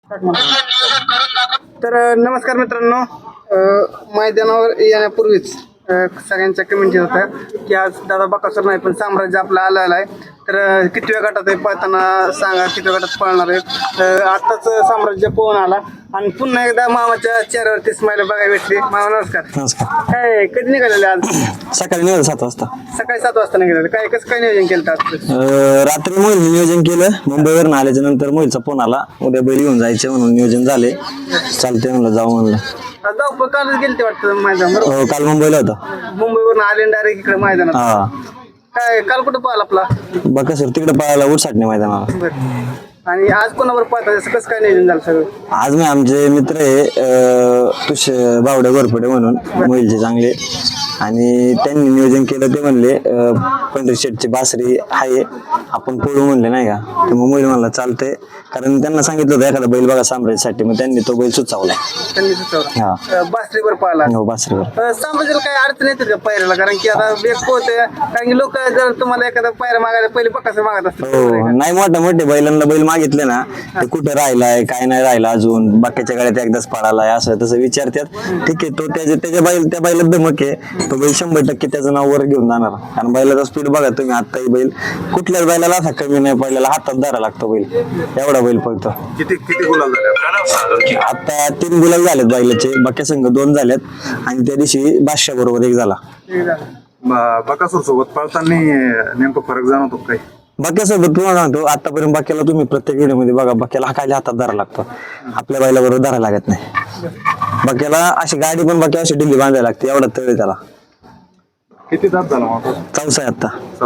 तर नमस्कार मित्रांनो, मैदानावर येण्यापूर्वीच सगळ्यांच्या कमेंट येत होत्या की आज दादा बकासूर नाही पण साम्राज्य आपला आलेला आहे. तर कितव्या गटात आहे पळताना सांगा, कितव्या गटात पळणार आहे. आत्ताच साम्राज्य पोहून आला आणि पुन्हा एकदा मामाच्या चेहऱ्यावरती स्माईल बघायला भेटली. मामा नमस्कार. नमस्कार. काय कधी निघालेले आज? सकाळी निघालं 7 वाजता. सकाळी 7 वाजता निघालेले. काय कसं काय नियोजन केलं आज? रात्री मोहिल नियोजन केलं. मुंबईवरून आल्याच्या नंतर मोहिलचा फोन आला, उद्या बैल घेऊन जायचे म्हणून नियोजन झाले. चालते म्हणलं, जाऊ म्हणलं. जाऊ कालच गेले ते वाटतं मैदान. हो, काल मुंबईला होता. मुंबईवरून आले डायरेक्ट इकडे मैदानात. हा, काय काल कुठं पाहिला आपला? बघा सर, तिकडे पळायला उठसाटणे मैदानाला. बरं. आणि आज कोणावर पाहता, कसं काय नियोजन झालं सगळं? आज मी आमचे मित्र आहे बावडे गोरपडे म्हणून मोहिलचे चांगले, आणि त्यांनी नियोजन केलं. ते म्हणले पंढरी शेटची बासरी आहे, आपण पळू म्हणले नाही का. तर मग मोहिल म्हणला चालतंय, कारण त्यांना सांगितलं होतं एखादा बैल बघा साम्राज्यासाठी. मग त्यांनी तो बैल सुचवला. त्यांनी सुचवलं. हा, बासरीवर पाहिला. हो, बासरीवर. साम्राज्याला काय अडचण येते का पायऱ्याला? कारण की आता वेग पोहते, कारण की लोक जर तुम्हाला एखादा पायऱ्या मागायला पहिले पक्काचं मागत असतात. हो, नाही मोठे बैलांना बैल मागितले ना, ते कुठं राहिलाय काय नाही राहिला अजून, बाकीच्या गाड्यात एकदाच पडालाय असं तसं विचारतात. ठीक आहे, तो त्या बैलात धमक आहे, तो बैल 100% त्याचं नाव वर घेऊन जाणार. कारण बैलाचा स्पीड बघा तुम्ही. आत्ताही बैल कुठल्याच बैलाला असा कमी नाही पडलेला, हातात धरा लागतो बैल, एवढा बैल पळतो. किती गुलाल झाले आता 3 गुलाल झालेत बैलाचे, बाकी संघ 2 झालेत, आणि त्या दिवशी बादशाह बरोबर 1 झाला. बकासूर सोबत पळताना नेमकं फरक जाणवतो काही? बाक्यासोबत तुम्हाला सांगतो, आतापर्यंत बाक्याला तुम्ही प्रत्येक व्हिडिओमध्ये बघा, बाक्याला हाकायला हातात धरा लागतो, आपल्या बैला बरोबर धरा लागत नाही. बाक्याला अशी गाडी पण बाक्या अशी ढिल्ली बांधायला लागते, एवढा तळ त्याला. किती दात झाला मग? चौसा आहे आता.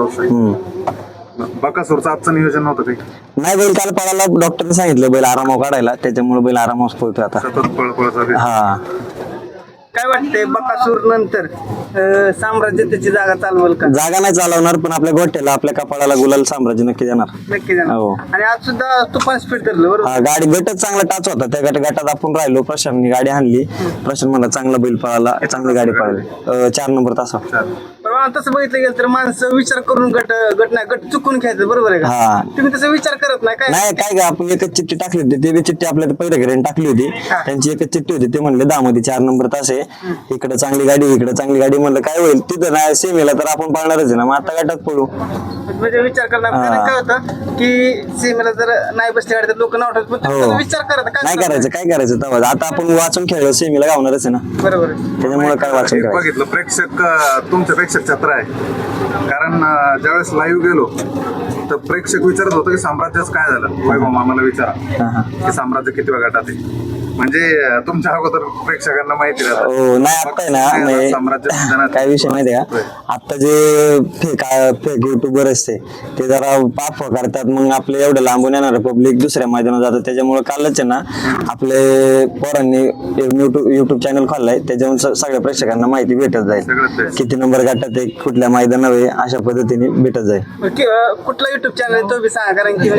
बकासूरचं आजचं नियोजन नव्हतं काही? नाही, बैल काल पळाला, डॉक्टरने सांगितलं बैल आरामावर काढायला, त्याच्यामुळे बैल आरामावर पळतोय आता. सतत पळपळ चालू आहे. हा, काय वाटतंय बकासूर नंतर साम्राज्य त्याची जागा चालवल का? जागा नाही चालवणार, पण आपल्या गोठ्याला आपल्या कपाळाला गुलाल साम्राज्य नक्की देणार. नक्की जाणार. हो. आणि आज सुद्धा तुफान स्पीड धरलं बरोबर. हा, गाडी गटच चांगला टाच होता. त्या गटात आपण राहिलो, प्रशांतनी गाडी आणली. प्रशांत म्हणला चांगला बैल पळाला, चांगली गाडी पळाली. 4 नंबर तासा. पण तसं बघितलं गेलं तर माणसं विचार करून गट चुकून घ्यायचं, बरोबर आहे का? हा, तुम्ही तसं विचार करत नाही काय? नाही काय का, आपण एकच चिठ्ठी टाकली होती. ते बी चिठ्ठी आपल्या पहिल्या घरी टाकली होती, त्यांची एकच चिठ्ठी होती. ते म्हणले 10 मध्ये 4 नंबर तास आहे, इकडे चांगली गाडी, इकडे चांगली गाडी. म्हणलं काय होईल तिथं, नाही सेमीला तर आपण पाळणारच आहे ना, मग आता गटात पळू. म्हणजे विचार करणार. कारण काय होतं की सीमेला जर नाही बसले गाडी तर लोक नाव ठेवतात, पण तुम्ही विचार करत नाही करायचं, काय करायचं तेव्हा. आता आपण वाचून खेळलो, सेमीला गावणारच आहे ना, बरोबर आहे. त्याच्यामुळे काय वाचून एक करायचं. बघितलं प्रेक्षक तुमच्या प्रेक्षक छत्र आहे. कारण ज्यावेळेस लाईव्ह गेलो तर प्रेक्षक विचारत होतं की साम्राज्यच काय झालं. वैभव मामाला विचारा की साम्राज्य किती गटात आहे. म्हणजे तुमच्या अगोदर प्रेक्षकांना माहिती राहतं. हो, नाही आता आहे ना, साम्राज्य काय विषय माहितीये का, आता जे फेक युट्यूबर असते ते जरा पाप करतात. मग आपले एवढं लांबून येणार पब्लिक दुसऱ्या मैदानात जातं. त्याच्यामुळे कालच आहे ना, आपले पोरांनी युट्यूब चॅनल खोललाय, त्याच्यावरून सगळ्या प्रेक्षकांना माहिती भेटत जाईल, किती नंबर गटात आहे, कुठल्या मैदानावर आहे, अशा पद्धतीने भेटत जाईल. कुठला युट्यूब चॅनल तो बी सांगा, कारण की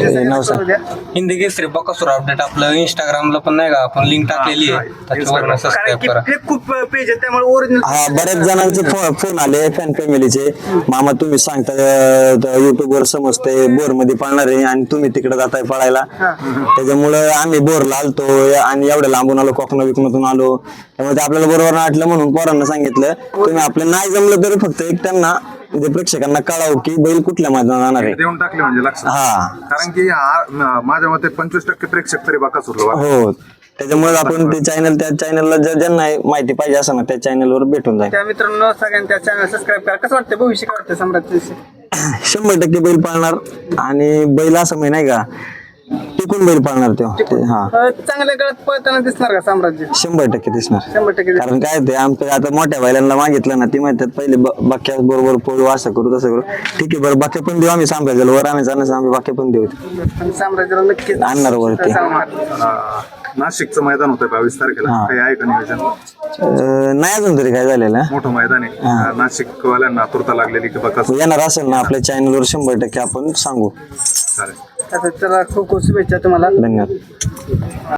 हिंदी केसरी बकासूर अपडेट आपलं इंस्टाग्रामला पण नाही का, आपण लिंक टाकलेली आहे, त्याच्यावर सबस्क्राईब करा. खूप पेज आहे त्यामुळे ओरिजिनल. हा, बऱ्याच जणांचे फोन आले फॅन फॅमिलीचे, मामा तुम्ही सांगता युट्यूब वर समजते बोर मध्ये पळणार आहे आणि तुम्ही तिकडे जाताय पळायला, त्याच्यामुळे आम्ही बोरला आलतो आणि एवढं लांबून आलो, कोकणा विकणातून आलो, त्यामुळे आपल्याला बरोबर वाटलं म्हणून पोरांना सांगितलं. तुम्ही आपलं नाही जमलं तरी फक्त एक त्यांना म्हणजे प्रेक्षकांना कळावं की बैल कुठल्या मैदानात जाणार आहे, देऊन टाकले म्हणजे लक्षात. हा, कारण की माझ्या मते 25% प्रेक्षक तरी बकासूरला. हो, त्याच्यामुळे आपण ते चॅनल, त्या चॅनलला ज्यांना माहिती पाहिजे असं ना, त्या चॅनलवर भेटून जाईल. त्या मित्रांनो सगळ्यांनी त्या चॅनल सबस्क्राईब करा. कसं वाटतं भविष्य, काय वाटतं सम्राटचं? 100% बैल पाळणार, आणि बैल असं माहिती नाही का, टिकून बैल पाळणार तो. हा, चांगल्या काळात पळताना दिसणार का साम्राज्य? 100% दिसणार. 100% कारण काय ते आमचं आता मोठ्या बैलांना मागितलं ना, ती म्हणतात पहिले बाक्या बरोबर पळू, असं करू तसं करू. ठीक आहे, बरं बाक्या पण देऊ आम्ही, साम्राज्याला वर आणायचं आम्ही बाक्या पण देऊ, साम्राज्याला नक्कीच आणणार वरती. नाशिकचं मैदान होतं 22 तारखेला, काही आहे का नियोजन? नाही अजून तरी काय झालेलं. मोठं मैदान आहे, नाशिक वाल्यांना आतुरता लागलेली की बकासूर येणार असेल ना आपल्या चॅनलवर 100% आपण सांगू. चालेल. चला, खूप खूप शुभेच्छा तुम्हाला. धन्यवाद.